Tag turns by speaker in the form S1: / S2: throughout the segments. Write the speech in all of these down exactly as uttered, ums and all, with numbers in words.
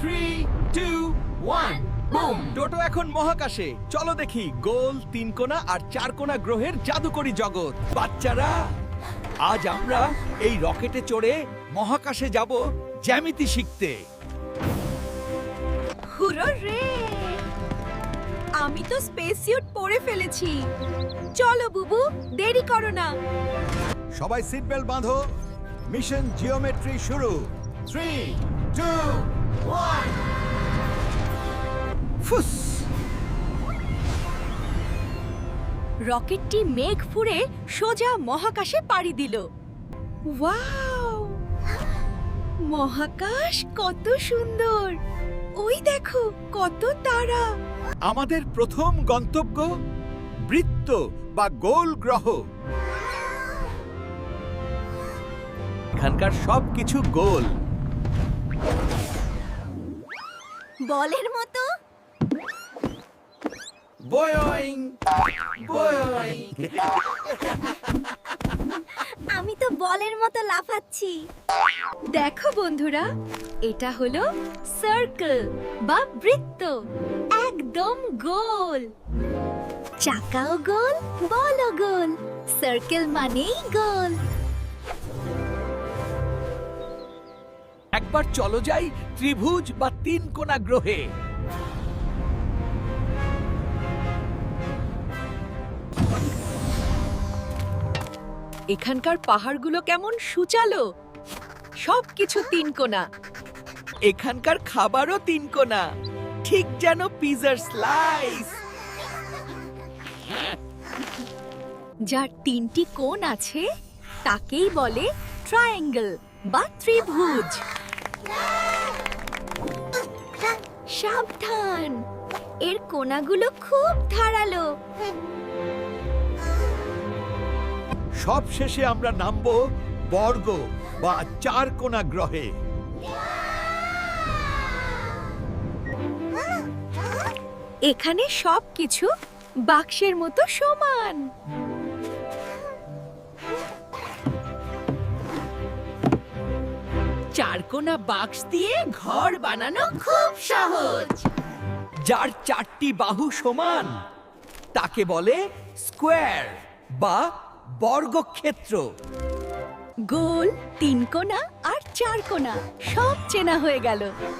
S1: Three two one boom.
S2: টোটো এখন মহাকাশে। চলো দেখি গোল, তিন কোণা আর চার কোণা গ্রহের জাদুকরী জগৎ। বাচ্চারা, আজ আমরা এই রকেটে চড়ে মহাকাশে যাব জ্যামিতি শিখতে।
S3: হুররে! আমি তো স্পেস স্যুট পরে ফেলেছি। চলো বুবু, দেরি করো না।
S4: সবাই সিট বেল্ট বাঁধো। মিশন জিওমেট্রি শুরু।
S1: থ্রি টু ওয়ান
S2: ফুস!
S3: রকেটটি মেঘ ফুঁড়ে সোজা মহাকাশে পাড়ি দিল। ওয়াও! মহাকাশ কত সুন্দর! ওই দেখো কত তারা!
S2: আমাদের প্রথম গন্তব্য বৃত্ত বা গোল গ্রহ। এখানকার সবকিছু গোল।
S3: বলের মতো।
S2: বয়ং বয়ং।
S3: আমি তো বলের মতো লাফাচ্ছি। দেখো বন্ধুরা, এটা হলো সার্কেল বা বৃত্ত, একদম গোল। চাকাও গোল, বলও গোল। সার্কেল মানেই গোল।
S2: একবার চলো যাই ত্রিভুজ বা তিন কোণা গ্রহে।
S3: এখানকার পাহাড়গুলো কেমন সুচালো, সবকিছু তিন কোণা।
S2: এখানকার খাবারও তিন কোণা, ঠিক যেন পিজার স্লাইস।
S3: যার তিনটি কোণ আছে তাকেই বলে ট্রায়াঙ্গেল বা ত্রিভুজ। সাবধান, এর কোণাগুলো খুব ধারালো।
S2: সব শেষে আমরা নামবো বর্গ বা চার কোণা গ্রহে।
S3: এখানে সবকিছু বাক্সের মতো সমান।
S1: চারকোনা বাক্স দিয়ে ঘর বানানো খুব সহজ।
S2: যার চারটি বাহু সমান তাকে বলে স্কোয়ার বা বর্গক্ষেত্র।
S3: গোল, তিন কোণা আর চার কোণা সব চেনা হয়ে গেল।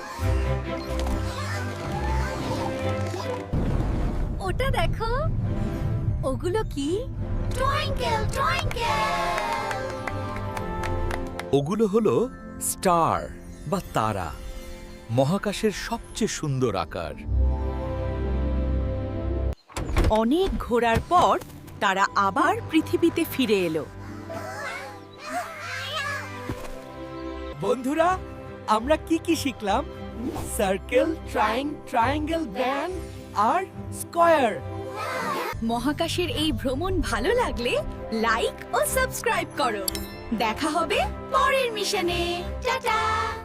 S3: ওটা দেখো, ওগুলো কি? Twinkle twinkle.
S2: ওগুলো হলো স্টার বা তারা, মহাকাশের সবচেয়ে সুন্দর আকার।
S3: অনেক ঘোরার পর তারা আবার পৃথিবীতে ফিরে এলো।
S2: বন্ধুরা, আমরা কি কি শিখলাম? সার্কেল, ট্রায়াং ট্রায়াঙ্গেল, ব্যান্ড আর স্কয়ার।
S3: মহাকাশের এই ভ্রমণ ভালো লাগলে লাইক ও সাবস্ক্রাইব করো। দেখা হবে পরের মিশনে। টাটা।